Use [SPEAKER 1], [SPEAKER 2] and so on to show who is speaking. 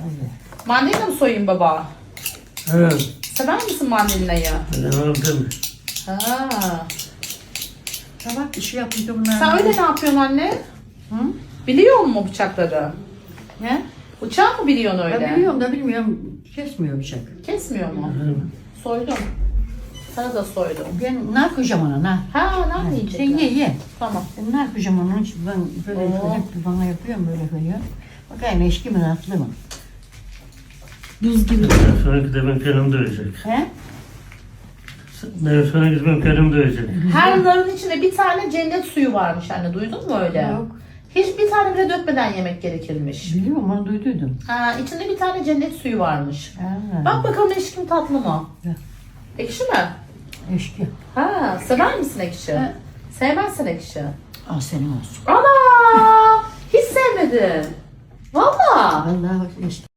[SPEAKER 1] Mandalina mı soyayım baba?
[SPEAKER 2] Evet.
[SPEAKER 1] Sever misin mandalinayı?
[SPEAKER 2] Ben aldım.
[SPEAKER 1] Ha.
[SPEAKER 3] Tabak işi yapınca bunlar.
[SPEAKER 1] Sen öyle ne yapıyorsun anne?
[SPEAKER 3] Hı?
[SPEAKER 1] Biliyor musun bıçakları?
[SPEAKER 3] Ne?
[SPEAKER 1] Bıçağı mı biliyorsun öyle?
[SPEAKER 3] Ben biliyorum da bilmiyorum. Kesmiyor bıçak.
[SPEAKER 1] Kesmiyor mu? Soydum. Sana da soydum.
[SPEAKER 3] Ben ne yapacağım ona? Ne?
[SPEAKER 1] Ha ne
[SPEAKER 3] Sen
[SPEAKER 1] yapayım?
[SPEAKER 3] ye.
[SPEAKER 1] Tamam.
[SPEAKER 3] Ben ne yapacağım onun için ben böyle
[SPEAKER 1] Oo.
[SPEAKER 3] hep bana yapıyorum böyle. Bakayım eşki mi tatlı mı?
[SPEAKER 1] Buz gibi.
[SPEAKER 2] Sonraki de ben kendim dövecek.
[SPEAKER 3] He?
[SPEAKER 2] Sonraki de ben kendim dövecek.
[SPEAKER 1] Her narın içinde bir tane cennet suyu varmış anne. Duydun mu öyle?
[SPEAKER 3] Yok.
[SPEAKER 1] Hiç bir tane bile dökmeden yemek gerekirmiş.
[SPEAKER 3] Biliyorum onu duyduydum.
[SPEAKER 1] Ha, içinde bir tane cennet suyu varmış.
[SPEAKER 3] Ha.
[SPEAKER 1] Bak bakalım ekşi mi tatlı mı?
[SPEAKER 3] Ya.
[SPEAKER 1] Ekşi mi?
[SPEAKER 3] Eşki.
[SPEAKER 1] Ha, sever misin ekşi?
[SPEAKER 3] Ha.
[SPEAKER 1] Sevmezsin ekşi.
[SPEAKER 3] Al senin olsun.
[SPEAKER 1] Ana! Hiç sevmedin. Valla.
[SPEAKER 3] Vallahi eşki.